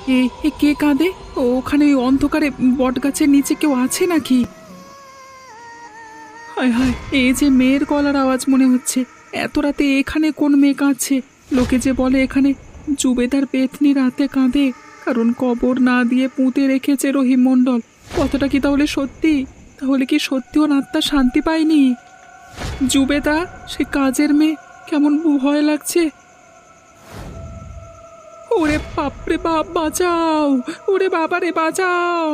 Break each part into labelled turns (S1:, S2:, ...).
S1: এ এ কে কাঁদে? ওখানে ওই অন্ধকারে বটগাছের নিচে কেউ আছে নাকি? হায় হায়, এই যে মেয়ের গলার আওয়াজ মনে হচ্ছে। এত রাতে এখানে কোন মেয়ে কাঁদছে? লোকে যে বলে এখানে জুবেদার পেতনি রাতে কাঁদে, কারণ কবর না দিয়ে পুঁতে রেখেছে রহিম মণ্ডল। কথাটা কি তাহলে সত্যি? তাহলে কি সত্যি ওর আত্মা শান্তি পায়নি? জুবেদা, সে কাজের মেয়ে, কেমন ভয় লাগছে। ওরে বাপরে বাপ, বাঁচাও! ওরে বাবা রে, বাঁচাও!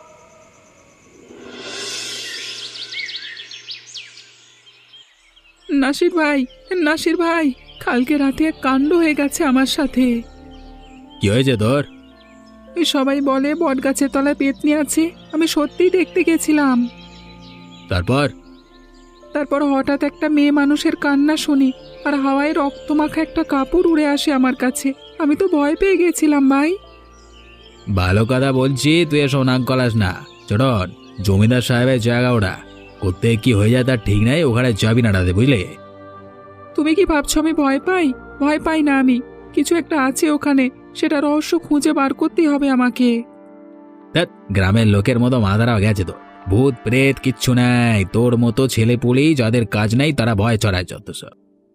S1: নাসির ভাই, নাসির ভাই, কালকে রাতে এক কাণ্ড হয়ে গেছে আমার সাথে।
S2: কি হয়েছে তোর?
S1: এই সবাই বলে বটগাছের তলায় পেতনি আছে, আমি সত্যিই দেখতে গেছিলাম।
S2: তারপর?
S1: তারপর হঠাৎ একটা মেয়ে মানুষের কান্না শুনি, আর হাওয়ায় রক্তমাখা একটা কাপড় উড়ে আসে আমার কাছে। আমি তো ভয় পেয়ে গেছিলাম ভাই।
S2: ভালো কথা বলছি, তুই এসব নাক গলাস না। চটন, জমিদার সাহেবের জায়গা ওটা, করতে কি হয়ে যায় তার ঠিক নাই, ওখানে যাবি না রাতে, বুঝলে?
S1: তুমি কি ভাবছো আমি ভয় পাই? ভয় পাই না আমি। কিছু একটা আছে ওখানে, সেটা রহস্য খুঁজে বার করতেই হবে আমাকে।
S2: ধ্যাৎ, গ্রামের লোকের মতো মাথারা গেছে তো। ভূত প্রেত কিচ্ছু নাই, তোর মতো ছেলে পুলি যাদের কাজ নাই তারা ভয় চড়ায় যত সব।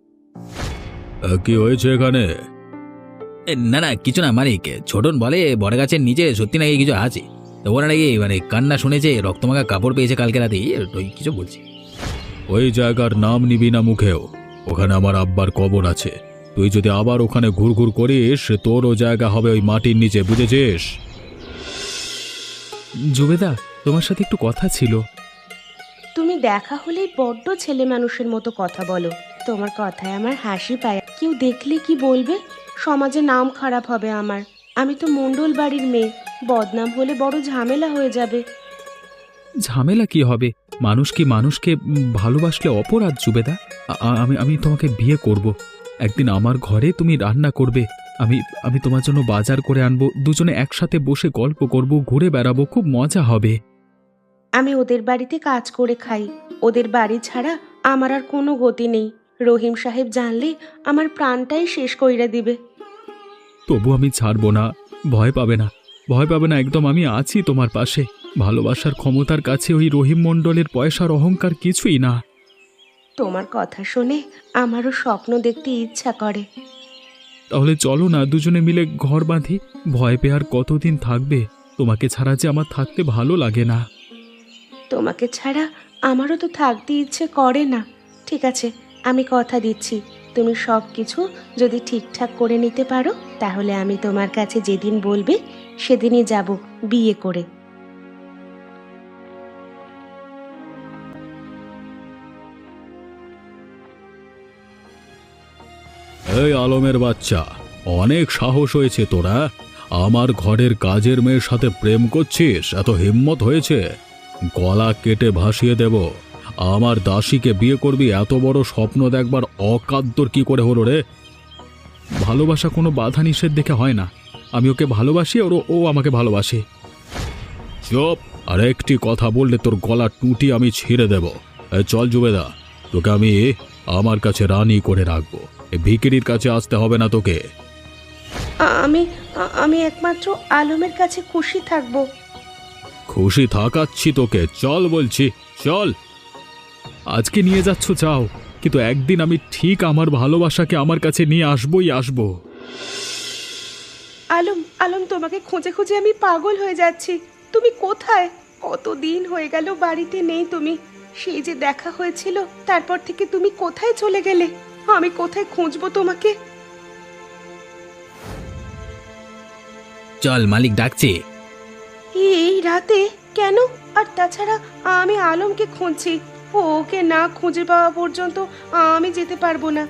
S2: কি হয়েছে এখানে? না না, কিছু না মালিক। ছোটন বলে বড়গাছের নিচে সত্যি নাকি কিছু আছে। তো ওরা নাকি কান্না শুনেছে, রক্তমাখা কাপড় পেয়েছে কালকে রাতে, ওই কিছু বলছি। ওই জায়গার নাম নিবি না মুখেও, ওখানে আমার আব্বার কবর আছে। তুই যদি আবার ওখানে ঘুরঘুর করিস, তোরও জায়গা হবে ওই মাটির নিচে, বুঝেছিস?
S1: জুবেদা, তোমার সাথে একটু কথা ছিল।
S3: তুমি দেখা হলেই বড্ড ছেলে মানুষের মতো কথা বলো। তোমার কথায় আমার হাসি পায়। কেউ দেখলে কি বলবে? সমাজে নাম খারাপ হবে আমার। আমি তো মণ্ডল বাড়ির মেয়ে, বদনাম হলে বড় ঝামেলা হয়ে যাবে।
S1: ঝামেলা কি হবে? মানুষ কি মানুষকে ভালোবাসলে অপরাধ জুবেদা? আমি আমি তোমাকে বিয়ে করব। একদিন আমার ঘরে তুমি রান্না করবে, আমি আমি তোমার জন্য বাজার করে আনবো, দুজনে একসাথে বসে গল্প করব, ঘুরে বেড়াবো, খুব মজা হবে।
S3: আমি ওদের বাড়িতে কাজ করে খাই। ওদের বাড়ি ছাড়া আমার আর কোনো গতি নেই। রহিম সাহেব জানলে আমার প্রাণটাই শেষ কইরা দিবে।
S1: তবু আমি ছাড়বো না। ভয় পাবে না, ভয় পাবে না একদম, আমি আছি তোমার পাশে। ভালোবাসার ক্ষমতার কাছে ওই রহিম মণ্ডলের পয়সার অহংকার কিছুই না।
S3: তোমার কথা শুনে আমারও স্বপ্ন দেখতে ইচ্ছা করে।
S1: তাহলে চলো না, দুজনে মিলে ঘর বাঁধি। ভয় পেয়ে আর কতদিন থাকবে? তোমাকে ছাড়া যে আমার থাকতে ভালো লাগে না।
S3: তোমাকে ছাড়া আমারও তো থাকতে ইচ্ছে করে না। ঠিক আছে, আমি কথা দিচ্ছি, তুমি সব কিছু যদি ঠিকঠাক করে নিতে পারো, তাহলে আমি তোমার কাছে যেদিন বলবে সেদিনই যাব বিয়ে করে।
S2: এই আলমের বাচ্চা, অনেক সাহস হয়েছে তোরা। আমার ঘরের কাজের মেয়ের সাথে প্রেম করছিস? এত হিম্মত হয়েছে? গলা কেটে ভাসিয়ে দেব। আমার দাসীকে বিয়ে করবি, এত বড় স্বপ্ন দেখবার অকাত তোর কি করে হলো রে?
S1: ভালোবাসা কোনো বাধা নিষেধ দেখে হয় না। আমি ওকে ভালোবাসি, ও আমাকে ভালোবাসে।
S2: চুপ! আর একটি কথা বললে তোর গলা টুটি আমি ছিঁড়ে দেব। চল জুবেদা, তোকে আমি আমার কাছে রানী করে রাখবো। ভিকিরির কাছে আসতে হবে না তোকে।
S3: আমি আমি একমাত্র আলমের কাছে খুশি থাকব।
S2: খুশি থাকাচ্ছি তোকে, চল বলছি, চল।
S1: আজকে নিয়ে যাচ্ছ যাও, কিন্তু একদিন আমি ঠিক আমার ভালোবাসাকে আমার কাছে নিয়ে আসবই আসবো।
S3: আলম, আলম, তোমাকে খুঁজে খুঁজে আমি পাগল হয়ে যাচ্ছি। তুমি কোথায়? কতদিন হয়ে গেল বাড়িতে নেই তুমি। সেই যে দেখা হয়েছিল, তারপর থেকে তুমি কোথায় চলে গেলে? আমি কোথায় খুঁজবো তোমাকে?
S2: চল, মালিক ডাকছে।
S3: এই রাতে কেন? আর তাছাড়া আমি আলমকে খুঁজছি। ওকে না খুঁজে পাওয়া পর্যন্ত আমি যেতে পারবো না।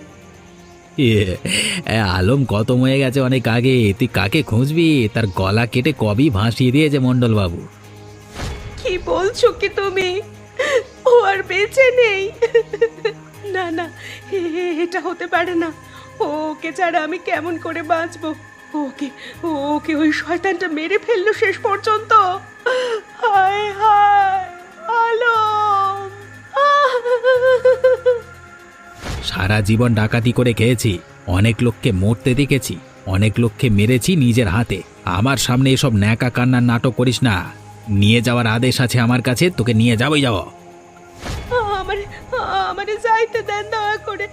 S2: আলম খতম হয়ে গেছে অনেক আগে, তুই কাকে খুঁজবি? তার গলা কেটে কবি ভাসিয়ে দিয়েছে মন্ডল বাবু।
S3: কি বলছো কি তুমি? ও আর বেঁচে নেই? না না, এটা হতে পারে না। ওকে ছাড়া আমি কেমন করে বাঁচবো? ওকে ওকে ওই শয়তানটা মেরে ফেললো শেষ পর্যন্ত। হায় হায় আলম!
S2: সারা জীবন ডাকাতি করে খেয়েছি, অনেক লোককে মরতে দেখেছি, অনেক লোককে মেরেছি নিজের হাতে, আমার সামনে এসব ন্যাকা কান্নার নাটক করিস না। নিয়ে যাওয়ার আদেশ আছে আমার কাছে, তোকে নিয়ে যাবই যাব।
S3: আমারে আমারে যাইতে দেন দয়া করে।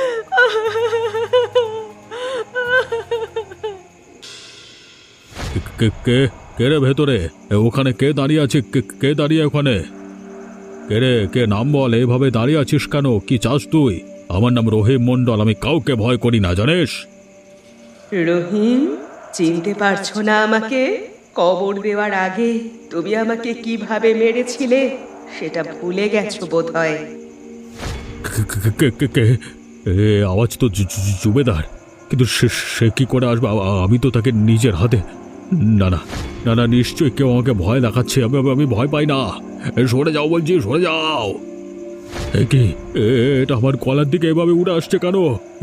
S4: কে কে কে রে ভেতরে? ওখানে কে দাঁড়িয়ে আছে? কে দাঁড়িয়ে ওখানে? কে রে? কে? নাম বল। এভাবে দাঁড়িয়ে আছিস কেন? কি চাস তুই? আমার নাম রহিম মণ্ডল, আমি কাউকে ভয় করি না, জানিস?
S3: রহিম, চিনতে পারছো না আমাকে? কবর দেওয়ার আগে তুমি আমাকে কিভাবে মেরেছিলে সেটা ভুলে গেছো বোধহয়।
S4: কে? এ আওয়াজ তো জুবেদার, কিন্তু সে কি করে আসবে? আমি তো তাকে নিজের হাতে। না না না না, নিশ্চয়ই কেউ আমাকে ভয় দেখাচ্ছে। আমি ভয় পাই না। সরে যাও বলছি, সরে যাও। কি এটা আমার গলার দিকে এভাবে উড়ে আসছে কেন?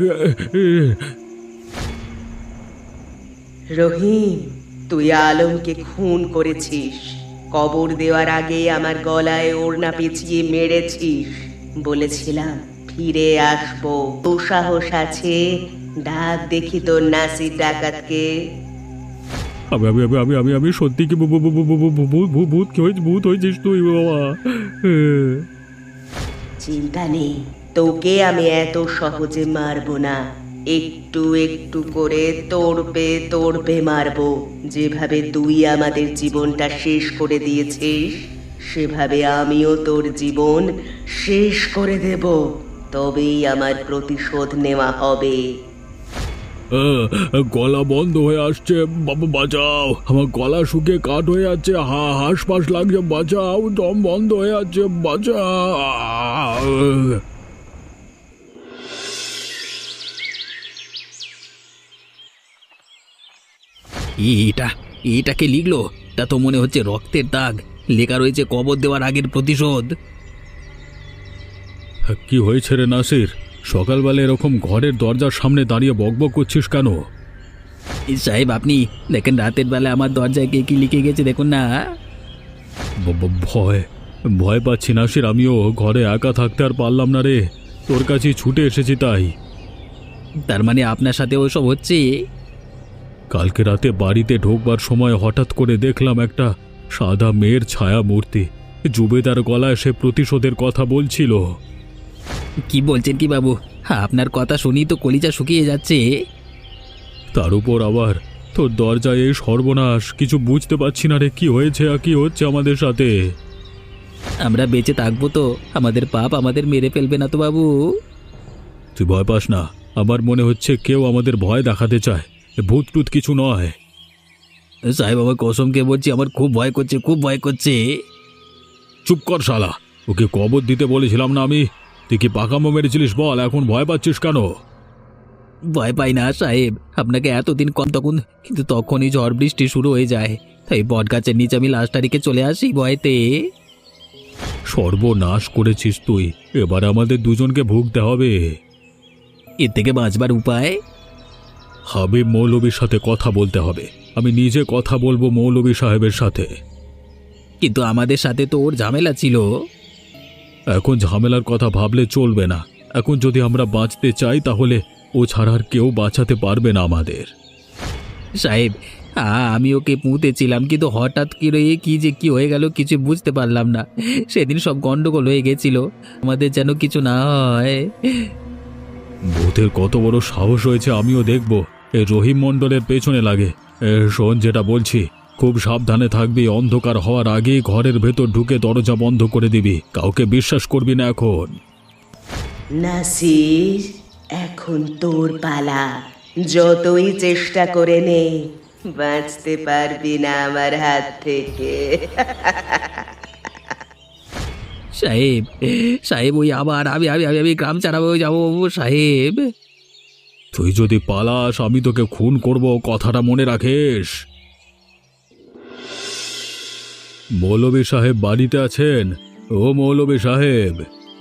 S3: রহিম, তুই আলমকে খুন করেছিস। কবর দেওয়ার আগে আমার গলায় ওড়না পেঁচিয়ে মেরেছিস। বলেছিলাম ফিরে আসবো, তো সাহস আছে? ডাক দেখি তোর নাসির ডাকাতকে।
S4: আমি আমি আমি আমি আমি আমি সত্যি কি ভূত হয়েছিস তুই বাবা?
S3: চিন্তা নেই, তোকে আমি এত সহজে মারবো না। একটু একটু করে তোড়বে মারবো। যেভাবে তুই আমাদের জীবনটা শেষ করে দিয়েছিস, সেভাবে আমিও তোর জীবন শেষ করে দেব। তবেই আমার প্রতিশোধ নেওয়া হবে।
S4: গলা বন্ধ হয়ে আসছে, বাবা বাঁচাও। আমার গলা শুকিয়ে কাঠ হয়ে যাচ্ছে, হাঁসফাঁস লাগছে, বাঁচাও। দম বন্ধ হয়ে যাচ্ছে, বাঁচাও।
S2: এটাকে লিখলো? তা তো মনে হচ্ছে রক্তের দাগ। লেখা রয়েছে কবর দেওয়ার আগের প্রতিশোধ।
S4: কি হয়েছে রে নাসির? সকালবেলা এরকম ঘরের দরজার সামনে দাঁড়িয়ে বকবক করছিস কেন?
S2: সাহেব, আপনি দেখেন রাতের বেলা আমার দরজায় কে কি লিখে গেছে, দেখুন না।
S4: ভয় ভয় পাচ্ছি নাসির। আমিও ঘরে একা থাকতে আর পারলাম না রে, তোর কাছেই ছুটে এসেছি তাই।
S2: তার মানে আপনার সাথে ওসব হচ্ছে?
S4: কালকে রাতে বাড়িতে ঢোকবার সময় হঠাৎ করে দেখলাম একটা সাদা মেয়ের ছায়া মূর্তি। জুবেদার গলায় সে প্রতিশোধের কথা বলছিল।
S2: কি বলছেন কি বাবু? আপনার কথা শুনি তো কলিজা শুকিয়ে যাচ্ছে।
S4: তার উপর আবার তোর দরজায় এই সর্বনাশ। কিছু বুঝতে পারছি না রে, কি হয়েছে আর কি হচ্ছে আমাদের সাথে।
S2: আমরা বেঁচে থাকবো তো? আমাদের পাপ আমাদের মেরে ফেলবে না তো বাবু?
S4: তুই ভয় পাস না, আমার মনে হচ্ছে কেউ আমাদের ভয় দেখাতে চায়। ভূত টুত কিছু নয়।
S2: সাহেব, আমার কসমকে বলছি, আমার খুব ভয় করছে, খুব ভয় করছে।
S4: চুপ কর শালা, ওকে কবর দিতে বলেছিলাম না আমি? তুই কি পাকামো মেরেছিলিস বল, এখন ভয় পাচ্ছিস কেন?
S2: ভয় পাই না সাহেব, আপনাকে এতদিন কম তখন, কিন্তু তখনই ঝড় বৃষ্টি শুরু হয়ে যায়। তাই বট গাছের নিচে আমি লাশ তারিখে চলে আসি ভয়তে।
S4: সর্বনাশ করেছিস তুই, এবার আমাদের দুজনকে ভুগতে হবে।
S2: এর থেকে বাঁচবার উপায়?
S4: হাবিব মৌলবীর সাথে কথা বলতে হবে। আমি নিজে কথা বলবো মৌলবী সাহেবের সাথে।
S2: কিন্তু আমাদের সাথে তো ওর ঝামেলা ছিল।
S4: এখন ঝামেলার কথা ভাবলে চলবে না। এখন যদি আমরা বাঁচতে চাই তাহলে ও ছাড়া আর কেউ বাঁচাতে পারবে না আমাদের।
S2: সাহেব, আমি ওকে পুঁতেছিলাম, কিন্তু হঠাৎ কি হয়ে গেল কিছু বুঝতে পারলাম না। সেদিন সব গন্ডগোল হয়ে গেছিল, আমাদের যেন কিছু না হয়।
S4: ভূতের কত বড় সাহস হয়েছে আমিও দেখব। এই রহিম মণ্ডলের পেছনে লাগে। শোন, যেটা বলছি খুব সাবধানে থাকবি। অন্ধকার হওয়ার আগে ঘরের ভেতর ঢুকে দরজা বন্ধ করে দিবি। কাউকে বিশ্বাস করবি না এখন।
S3: নাসির, এখন তোর পালা। যতই চেষ্টা করে নে, বাঁচতে পারবি না আমার হাত থেকে।
S2: সাহেব, সাহেব, ওই আবার আমি আমি আমি আমি গ্রাম ছাড়াবো যাবো সাহেব।
S4: তুই যদি পালাস আমি তোকে খুন করব, কথাটা মনে রাখিস। মৌলবী সাহেব বাড়িতে আছেন? ও মৌলবী সাহেব।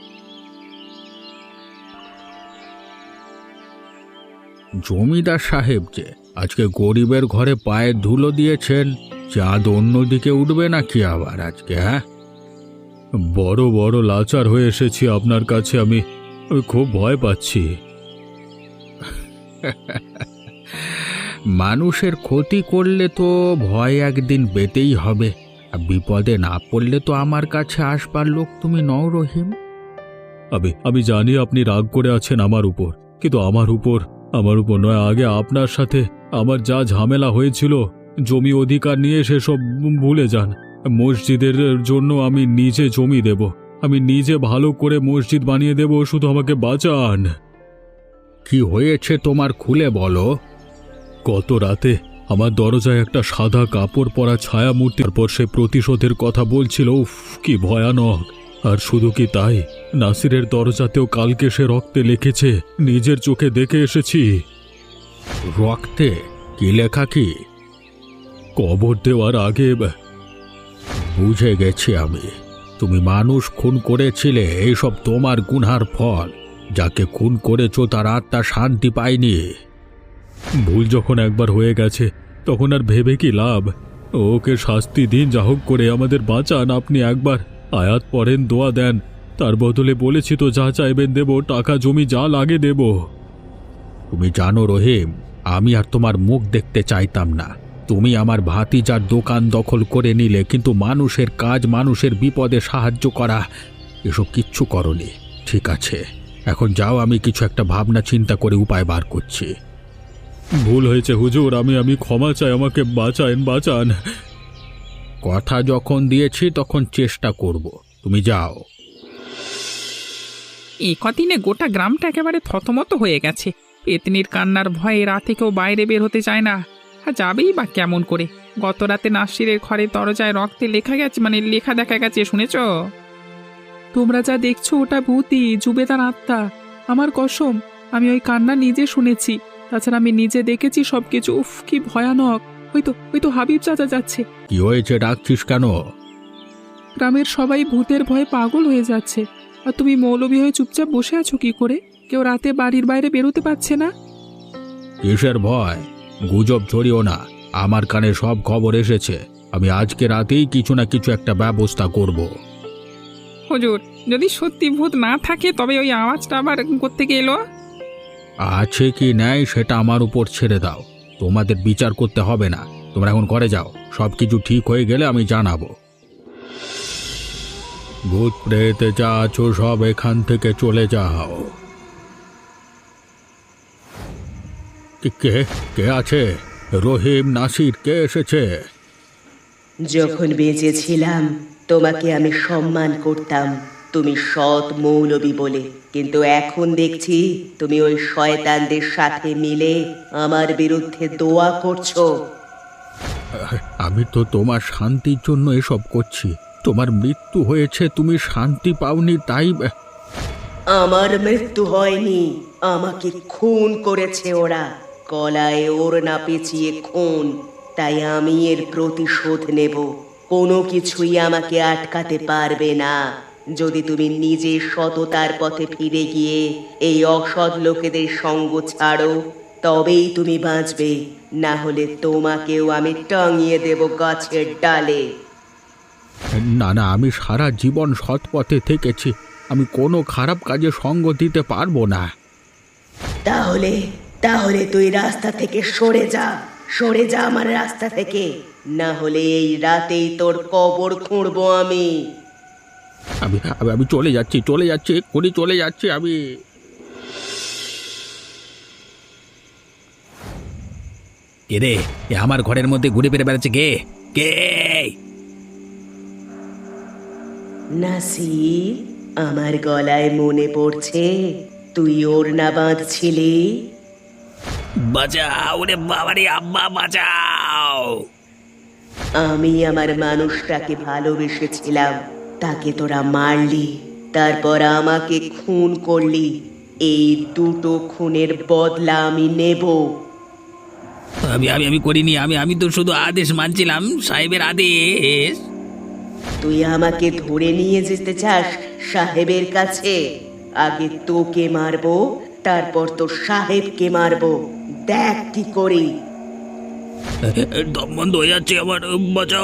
S4: জমিদার সাহেব যে আজকে গরিবের ঘরে পায়ের ধুলো দিয়েছেন, চাঁদ অন্যদিকে উঠবে নাকি আবার আজকে? হ্যাঁ, বড় বড় লাচার হয়ে এসেছি আপনার কাছে। আমি খুব ভয় পাচ্ছি।
S2: মানুষের ক্ষতি করলে তো ভয় একদিন পেতেই হবে, আর বিপদে না পড়লে তো আমার কাছে আসবার লোক তুমি নও রহিম।
S4: আমি জানি আপনি রাগ করে আছেন আমার উপর, কিন্তু আমার উপর নয়, আগে আপনার সাথে আমার যা ঝামেলা হয়েছিল জমি অধিকার নিয়ে সেসব ভুলে যান। মসজিদের জন্য আমি নিজে জমি দেব, আমি নিজে ভালো করে মসজিদ বানিয়ে দেব, শুধু আমাকে বাঁচান।
S2: কি হয়েছে তোমার খুলে বলো।
S4: গত রাতে আমার দরজায় একটা সাদা কাপড় পরা ছায়া মূর্তির পর সে প্রতিশোধের কথা বলছিল। উফ, কি ভয়ানক! আর শুধু কি তাই, নাসিরের দরজাতেও কালকে সে রক্তে লিখেছে, নিজের চোখে দেখে এসেছি।
S2: রক্তে কি লেখা কি?
S4: কবর দেওয়ার আগে
S2: বুঝে গেছি আমি, তুমি মানুষ খুন করেছিলে, এইসব তোমার গুনহার ফল। যাকে খুন করেছো তার আত্মা শান্তি পায়নি।
S4: ভুল যখন একবার হয়ে গেছে তখন আর ভেবে কি লাভ? ওকে শাস্তি দিন, যা হোক করে আমাদের বাঁচান। আপনি একবার আয়াত পড়েন, দোয়া দেন, তার বদলে বলেছি তো যা চাইবেন দেব, টাকা জমি যা লাগে দেব।
S2: তুমি জানো রহিম, আমি আর তোমার মুখ দেখতে চাইতাম না। তুমি আমার ভাতিজার দোকান দখল করে নিলে, কিন্তু মানুষের কাজ, মানুষের বিপদে সাহায্য করা, এসব কিচ্ছু করনি। ঠিক আছে, এখন যাও, আমি কিছু একটা ভাবনা চিন্তা করে উপায় বার করছি।
S4: ভুল হয়েছে হুজুর, আমি ক্ষমা চাই, আমাকে বাঁচান।
S2: কথা যখন দিয়েছি তখন চেষ্টা করব, তুমি যাও।
S1: এই কদিনে গোটা গ্রামটা একেবারে থতমত হয়ে গেছে। পেতনির কান্নার ভয়ে রাতে কেউ বাইরে বের হতে চায় না। আর যাবেই বা কেমন করে? গত রাতে নাসিরের ঘরে দরজায় রক্তে লেখা গেছে, মানে লেখা দেখা গেছে, শুনেছ? তোমরা যা দেখছো ওটা ভূতই, জুবেদার আত্মা। আমার কসম, আমি ওই কান্না নিজে শুনেছি, তাছাড়া আমি নিজে দেখেছি সবকিছু। উফ, কি ভয়ানক! ওই তো হাবিব চাচা যাচ্ছে।
S2: কি হয়েছে, ডাকছিস কেন?
S1: গ্রামের সবাই ভূতের ভয়ে পাগল হয়ে যাচ্ছে, আর তুমি মৌলবি হয়ে চুপচাপ বসে আছো কি করে? কেউ রাতে বাড়ির বাইরে বেরোতে পারছে না।
S2: কিসের ভয়? গুজব ছড়িও না, আমার কানে সব খবর এসেছে। আমি আজকে রাতেই কিছু না কিছু একটা ব্যবস্থা করব।
S1: হুজুর, যদি সত্যি ভূত না থাকে তবে ওই আওয়াজটা আবার কোত্থেকে এলো?
S2: আছে কি নাই সেটা আমার উপর ছেড়ে দাও, তোমাদের বিচার করতে হবে না। তোমরা এখন ঘরে যাও, সব কিছু ঠিক হয়ে গেলে আমি জানাবো। ভূত প্রেত যা আছো সব এখান থেকে চলে যাও। কে কে আছে? রহিম, নাসির, কে এসেছে?
S3: যখন বেঁচে ছিলাম তোমাকে আমি সম্মান করতাম, তুমি সৎ মৌলবী বলে, কিন্তু এখন দেখছি তুমি ওই শয়তানদের সাথে মিলে আমার বিরুদ্ধে দোয়া করছো।
S2: আমি তো তোমার শান্তির জন্য এসব করছি। তোমার মৃত্যু হয়েছে, তুমি শান্তি পাওনি, তাই।
S3: আমার মৃত্যু হয়নি, আমাকে খুন করেছে ওরা। গলায় ওড়না পেঁচিয়ে খুন, তাই আমি এর প্রতিশোধ নেব। কোনো কিছুই আমাকে আটকাতে পারবে না। যদি তুমি নিজে সততার পথে ফিরে গিয়ে এই অসৎ লোকেদের সঙ্গ ছাড়ো, তবেই তুমি বাঁচবে, না হলে তোমাকেও আমি টাঙিয়ে দেব গাছের ডালে।
S2: না না, আমি সারা জীবন সৎ পথে থেকেছি, আমি কোনো খারাপ কাজে সঙ্গ দিতে পারবো না।
S3: তাহলে তাহলে তুই রাস্তা থেকে সরে যা আমার রাস্তা থেকে, না হলে এই রাতেই তোর কবর খুঁড়বো আমি।
S2: আমি আমি চলে যাচ্ছি, এক্ষুনি চলে যাচ্ছি আমি। কে রে? এ আমার ঘরের মধ্যে ঘুরে ফিরে বেড়াচ্ছে কে? কে?
S3: নাসির, আমার গলায় মনে পড়ছে তুই ওড়না বাঁধছিলি।
S2: বাঁচাও রে বাবারে, আম্মা বাঁচাও!
S3: আমি আমার মানুষটাকে ভালোবেসেছিলাম, তাকে তোরা মারলি, তারপর আমাকে খুন করলি। এই দুটো খুনের বদলা আমি নেব।
S2: আমি আমি আমি করিনি, আমি তো শুধু আদেশ মানছিলাম, সাহেবের আদেশ।
S3: তুই আমাকে ধরে নিয়ে যেতে চাস সাহেবের কাছে? আগে তোকে মারবো, তারপর তোর সাহেবকে মারবো। দেখ কি করি।
S2: দম বন্ধ হয়ে যাচ্ছে আমার, বাঁচাও!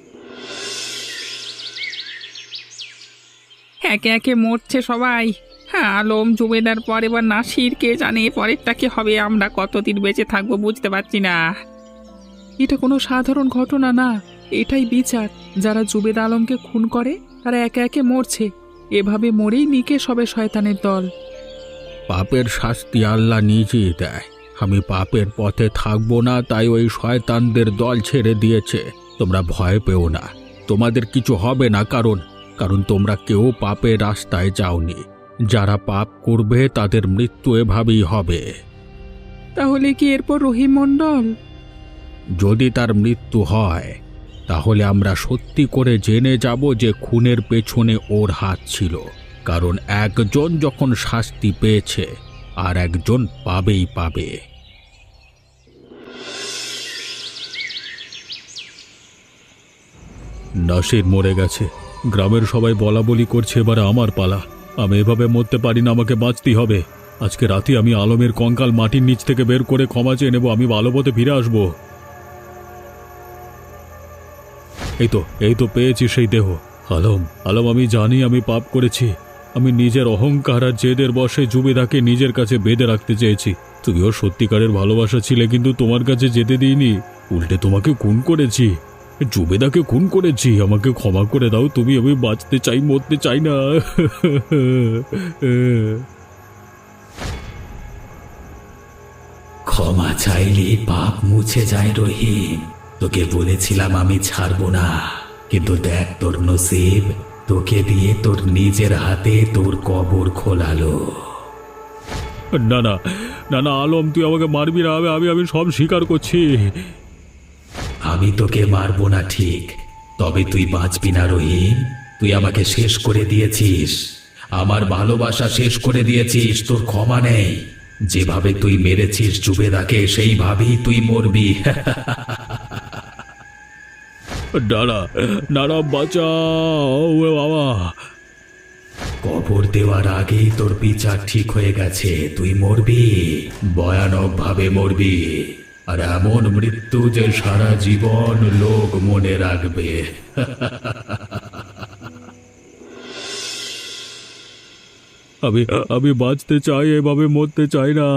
S1: একে একে মরছে সবাই। হ্যাঁ, আলম, জুবেদার, পর এবার নাসির, কে জানে পরেরটা কি হবে। আমরা কতদিন বেঁচে থাকবো বুঝতে পারছি না। এটা কোনো সাধারণ ঘটনা না, এটাই বিচার। যারা জুবেদ আলমকে খুন করে তারা একে একে মরছে। এভাবে মরেই নিকেশ হবে শয়তানের দল।
S4: পাপের শাস্তি আল্লাহ নিজেই দেয়। আমি পাপের পথে থাকবো না, তাই ওই শয়তানদের দল ছেড়ে দিয়েছে। তোমরা ভয় পেও না, তোমাদের কিছু হবে না, কারণ তোমরা কেউ পাপের রাস্তায় যাওনি। যারা পাপ করবে তাদের মৃত্যু এভাবেই হবে।
S1: তাহলে কি এরপর রহিম মণ্ডল?
S4: যদি তার মৃত্যু হয় তাহলে আমরা সত্যি করে জেনে যাব যে খুনের পেছনে ওর হাত ছিল। কারণ একজন যখন শাস্তি পেয়েছে আর একজন পাবেই পাবে। নাসির মরে গেছে, গ্রামের সবাই বলা বলি করছে, এবারে আমার পালা। আমি এভাবে মরতে পারি না, আমাকে বাঁচতেই হবে। আজকে রাতে আমি আলমের কঙ্কাল মাটির নিচ থেকে বের করে ক্ষমা চেয়ে নেব, আমি ভালো পথে ফিরে আসব। এই তো পেয়েছি সেই দেহ। আলম, আমি জানি আমি পাপ করেছি। আমি নিজের অহংকার আর জেদের বশে জুবেদাকে নিজের কাছে বেঁধে রাখতে চেয়েছি। তুমিও সত্যিকারের ভালোবাসা ছিলে, কিন্তু তোমার কাছে যেতে দিইনি। উল্টে তোমাকে খুন করেছি, জুবেদাকে খুন করেছি। আমাকে ক্ষমা করে দাও তুমি, আমি বাঁচতে চাই, মরতে চাই না।
S2: ক্ষমা চাইলে পাপ মুছে যায় রহিম। তোকে বলেছিলাম আমি ছাড়বো না, কিন্তু দেখ তোর নসিব, তোকে দিয়ে তোর নিজের হাতে তোর কবর খোলালো।
S4: না না না না আলম, তুই আমাকে মারবি না। আমি সব স্বীকার করছি।
S2: আমি তোকে মারবো না ঠিক, তবে তুই বাঁচবি না রহিম। তুই আমাকে শেষ করে দিয়েছিস, আমার ভালোবাসা শেষ করে দিয়েছিস। তোর ক্ষমা নেই। যেভাবে তুই মেরেছিস জুবেদাকে সেইভাবেই তুই মরবি।
S4: না বাঁচাও বাবা।
S2: কবর দেওয়ার আগেই তোর বিচার ঠিক হয়ে গেছে। তুই মরবি, ভয়ানক ভাবে মরবি, আর এমন মৃত্যু যে সারা জীবন লোক মনে রাখবে।
S4: আমি বাঁচতে চাই, এভাবে মরতে চাই না।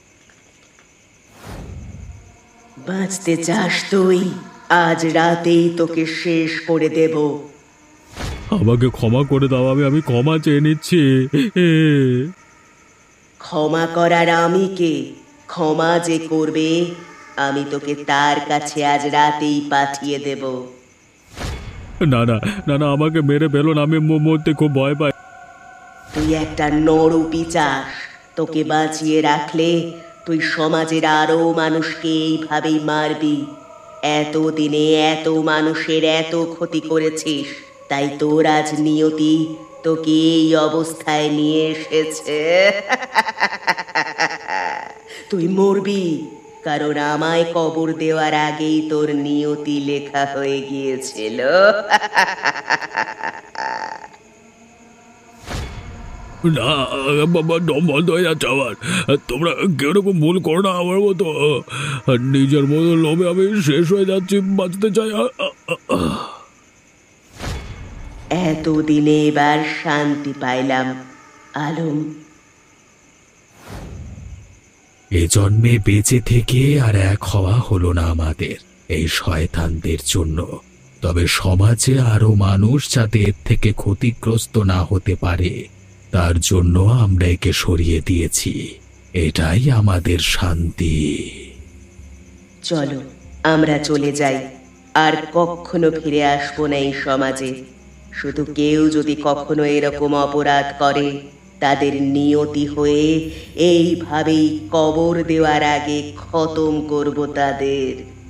S3: বাঁচতে চাস তুই? আজ রাতেই তোকে শেষ করে দেব।
S4: আমাকে ক্ষমা করে দাও, আমি ক্ষমা চেয়ে নিচ্ছি।
S3: ক্ষমা করার আমি কে? ক্ষমা যে করবে আমি তোকে তার কাছে আজ রাতেই পাঠিয়ে দেব।
S4: না না না না, আমাকে মেরে ফেলো না, আমি মরতে খুব ভয় পাই।
S3: তুই একটা নরপি চাস। তোকে বাঁচিয়ে রাখলে তুই সমাজের আরো মানুষকে এইভাবেই মারবি। এতদিনে এত মানুষের এত ক্ষতি করেছিস, তাই তোর আজ নিয়তি তোকে এই অবস্থায় নিয়ে এসেছে। তুই মরবি, কারণ আমায় কবর দেওয়ার আগেই তোর নিয়তি লেখা হয়ে গিয়েছিল।
S4: না বাবা, দম বন্ধ হয়ে যাচ্ছে আমার। তোমরা কেউ রকম ভুল করো না আমার মতো। নিজের মতো লোভে আমি শেষ হয়ে যাচ্ছি, বাঁচতে চাই।
S3: এতদিনে এবার শান্তি পাইলাম আলম।
S2: এ জন্মে বেঁচে থেকে আর এক হওয়া হলো না আমাদের এই শয়তানদের জন্য। তবে সমাজে আরো মানুষ যাতে এর থেকে ক্ষতিগ্রস্ত না হতে পারে, তার জন্য আমরা একে সরিয়ে দিয়েছি। এটাই আমাদের শান্তি।
S3: চলো আমরা চলে যাই, আর কখনো ফিরে আসবো না এই সমাজে। শুধু কেউ যদি কখনো এরকম অপরাধ করে, তাদের নিয়তি হয়ে এইভাবেই কবর দেওয়ার আগে খতম করব তাদের।